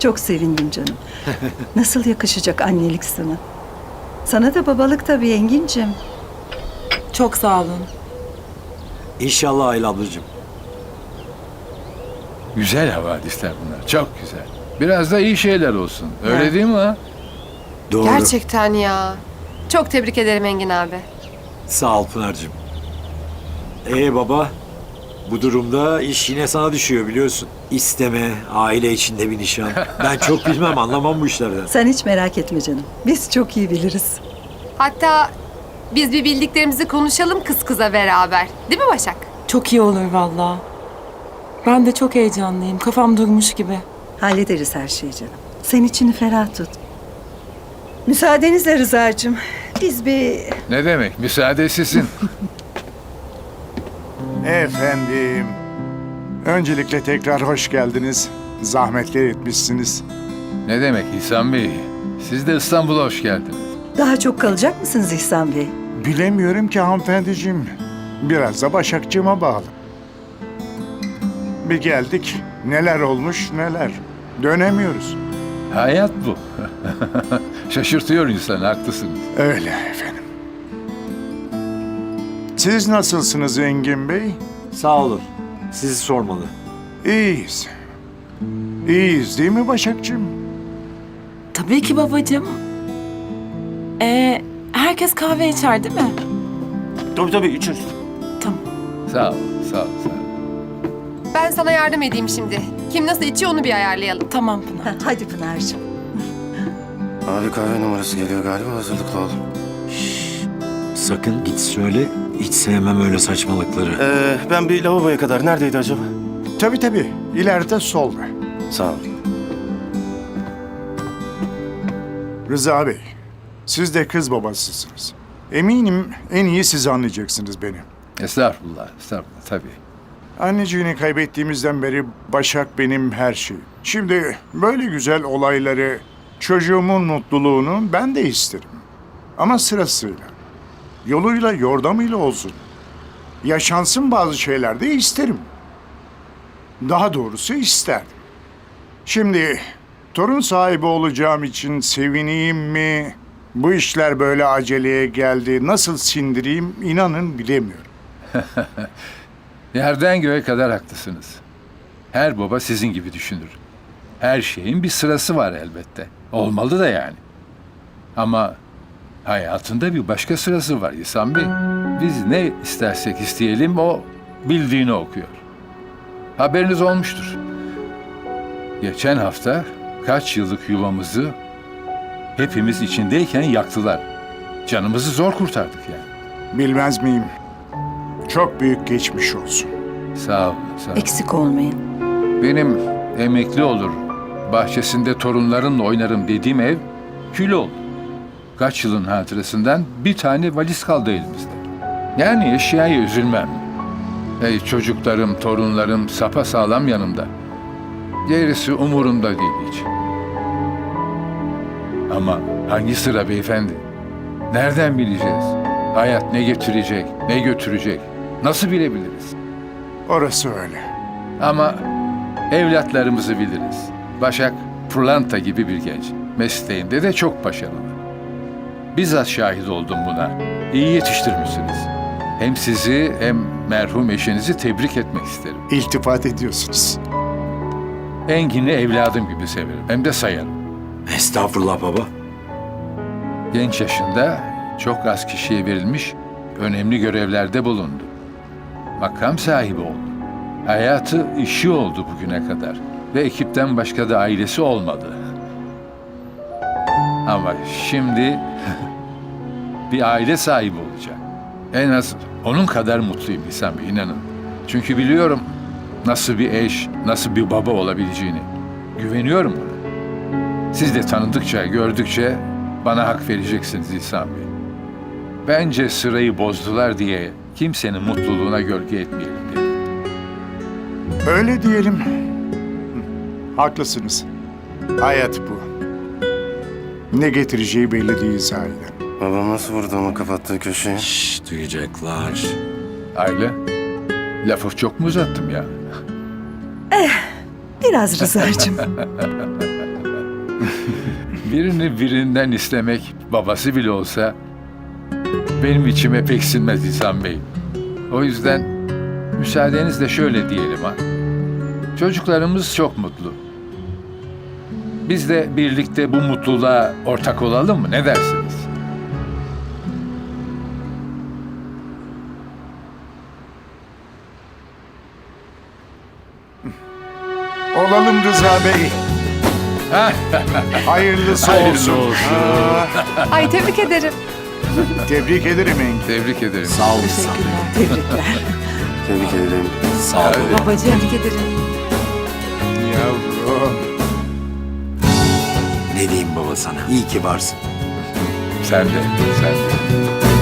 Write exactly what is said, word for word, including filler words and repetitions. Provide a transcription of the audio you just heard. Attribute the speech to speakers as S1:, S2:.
S1: Çok sevindim canım. Nasıl yakışacak annelik sana? Sana da babalık tabii Engin'cim.
S2: Çok sağ olun.
S3: İnşallah Ayla ablacığım.
S4: Güzel havadisler bunlar. Çok güzel. Biraz da iyi şeyler olsun. Öyle
S1: Ya.
S4: değil mi ha?
S3: Doğru.
S5: Gerçekten ya. Çok tebrik ederim Engin abi.
S3: Sağ ol Pınar'cığım. Ee baba, bu durumda iş yine sana düşüyor biliyorsun. İsteme, aile içinde bir nişan. Ben çok bilmem, anlamam bu işlerden.
S1: Sen hiç merak etme canım. Biz çok iyi biliriz.
S5: Hatta biz bir bildiklerimizi konuşalım kız kıza beraber. Değil mi Başak?
S2: Çok iyi olur vallahi. Ben de çok heyecanlıyım. Kafam durmuş gibi.
S1: Hallederiz her şeyi canım. Sen içini ferah tut. Müsaadenizle Rıza'cığım. Biz bir...
S4: Ne demek? Müsaade sizin.
S6: Efendim, öncelikle tekrar hoş geldiniz. Zahmetler etmişsiniz.
S4: Ne demek İhsan Bey? Siz de İstanbul'a hoş geldiniz.
S1: Daha çok kalacak mısınız İhsan Bey?
S6: Bilemiyorum ki hanımefendiciğim. Biraz da Başakçığıma bağlı. Bir geldik, neler olmuş neler. Dönemiyoruz.
S4: Hayat bu. Şaşırtıyor insanı, haklısınız.
S6: Öyle efendim. Siz nasılsınız Engin Bey?
S3: Sağ olun. Sizi sormalı.
S6: İyiyiz. İyiyiz değil mi Başakçığım?
S2: Tabii ki babacığım. Ee, herkes kahve içer değil mi?
S7: Tabii tabii içeriz.
S2: Tamam.
S4: Sağ ol, sağ ol, sağ ol.
S5: Ben sana yardım edeyim şimdi. Kim nasıl içiyor onu bir ayarlayalım.
S2: Tamam Pınar.
S1: Ha, hadi Pınar'cığım.
S7: Abi kahve numarası geliyor galiba, hazırlıklı ol.
S3: Sakın git söyle, hiç sevmem öyle saçmalıkları.
S7: Ee, ben bir lavaboya kadar, neredeydi acaba?
S6: Tabii tabii, ileride solda.
S7: Sağ ol.
S6: Rıza Bey, siz de kız babasısınız. Eminim en iyi siz anlayacaksınız beni.
S4: Estağfurullah, estağfurullah tabii.
S6: Anneciğini kaybettiğimizden beri Başak benim her şeyim. Şimdi böyle güzel olayları, çocuğumun mutluluğunu ben de isterim. Ama sırasıyla, yoluyla yordamıyla olsun. Yaşansın bazı şeyler de isterim. Daha doğrusu isterdim. Şimdi torun sahibi olacağım için sevineyim mi? Bu işler böyle aceleye geldi. Nasıl sindireyim inanın bilemiyorum.
S4: Yerden göğe kadar haklısınız. Her baba sizin gibi düşünür. Her şeyin bir sırası var elbette. Olmalı da yani. Ama hayatında bir başka sırası var İhsan Bey. Biz ne istersek isteyelim o bildiğini okuyor. Haberiniz olmuştur. Geçen hafta kaç yıllık yuvamızı hepimiz içindeyken yaktılar. Canımızı zor kurtardık yani.
S6: Bilmez miyim? Çok büyük geçmiş olsun.
S4: Sağ olun, sağ olun.
S1: Eksik olmayın.
S4: Benim emekli olur, bahçesinde torunlarımla oynarım dediğim ev kül oldu. Kaç yılın hatırasından bir tane valiz kaldı elimizde. Yani eşyaya üzülmem. Ey çocuklarım, torunlarım sapasağlam yanımda. Gerisi umurumda değil hiç. Ama hangi sıra beyefendi? Nereden bileceğiz? Hayat ne getirecek, ne götürecek? Nasıl bilebiliriz?
S6: Orası öyle.
S4: Ama evlatlarımızı biliriz. Başak pırlanta gibi bir genç. Mesleğinde de çok başarılı. Bizzat şahit oldum buna. İyi yetiştirmişsiniz. Hem sizi hem merhum eşinizi tebrik etmek isterim.
S6: İltifat ediyorsunuz.
S4: Engin'i evladım gibi severim. Hem de sayarım.
S3: Estağfurullah baba.
S4: Genç yaşında çok az kişiye verilmiş önemli görevlerde bulundu. Makam sahibi oldu. Hayatı işi oldu bugüne kadar. Ve ekipten başka da ailesi olmadı. Ama şimdi bir aile sahibi olacak. En az onun kadar mutluyum İhsan Bey, inanın. Çünkü biliyorum nasıl bir eş, nasıl bir baba olabileceğini. Güveniyorum buna. Siz de tanıdıkça, gördükçe bana hak vereceksiniz İhsan Bey. Bence sırayı bozdular diye kimsenin mutluluğuna gölge etmeyelim dedim.
S6: Öyle diyelim. Hı, haklısınız. Hayat bu. Ne getireceği belli değil sahiden.
S7: Babam nasıl vurdu ama kapattığı köşeyi?
S3: Şşş, duyacaklar.
S4: Aile, lafı çok mu uzattım ya?
S1: Biraz Rıza'cığım.
S4: Birini birinden istemek, babası bile olsa, benim içime pek sinmez İhsan Bey. O yüzden müsaadenizle şöyle diyelim ha. Çocuklarımız çok mutlu. Biz de birlikte bu mutluluğa ortak olalım mı? Ne dersiniz?
S6: Olalım Rıza Bey. Hayırlısı,
S4: Hayırlısı
S6: olsun.
S4: olsun.
S6: Aa,
S5: Ay tebrik ederim.
S6: tebrik ederim Engin.
S4: Tebrik ederim.
S3: Sağ ol İhsan Bey.
S1: Tebrikler.
S7: Tebrik ederim.
S3: Sağ ol. baba.
S1: Babacığım.
S5: Tebrik ederim.
S6: Yavrum.
S3: Ne diyeyim baba sana? İyi ki varsın.
S4: Sen de, sen de.